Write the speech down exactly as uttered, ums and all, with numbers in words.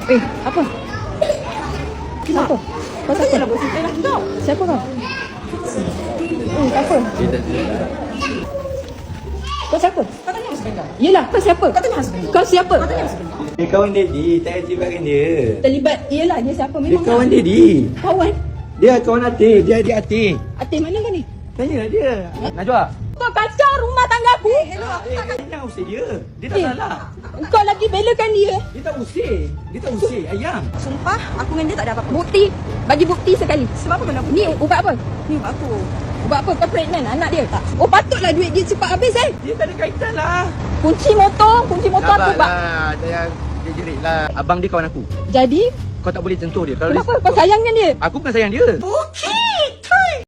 Eh, apa? Siapa? Kau siapa? Lah bosan lelaki kau. Siapa kau? Hmm, siapa? Dia tak ada. Kau siapa? Kau tanya husband kau. Yelah, kau siapa? Kau tanya husband kau. Kau siapa? Kau tanya husband kau. Dia kawan Daddy, tak payah cibatkan dia. Terlibat, yelah dia siapa? Dia Memang kawan kau. Daddy. Kawan? Dia kawan Atik, dia adik Atik. Atik mana kau ni? Tanya dia. Najwa. Kau kacau rumah tangga aku. Hello, aku Eh, tak dia jangan usir dia. Dia tak Eh. salah. Kau lagi belakan dia. Dia tak usir. Dia tak usir. Ayam. sumpah aku dengan dia tak ada apa-apa. Bukti. Bagi bukti sekali. Sebab apa kau nak Ni ubat apa? ni aku. Ubat apa? Kau pregnant anak dia? Tak. Oh patutlah duit dia cepat habis eh. Dia tak ada kaitan lah. Kunci motor, kunci motor aku bak. Sabarlah. Jangan dia jerit lah. Abang dia kawan aku. Jadi, Kau tak boleh sentuh dia. Kalau kenapa dia, kau sayang dengan dia? Aku bukan sayang dia. Bukan.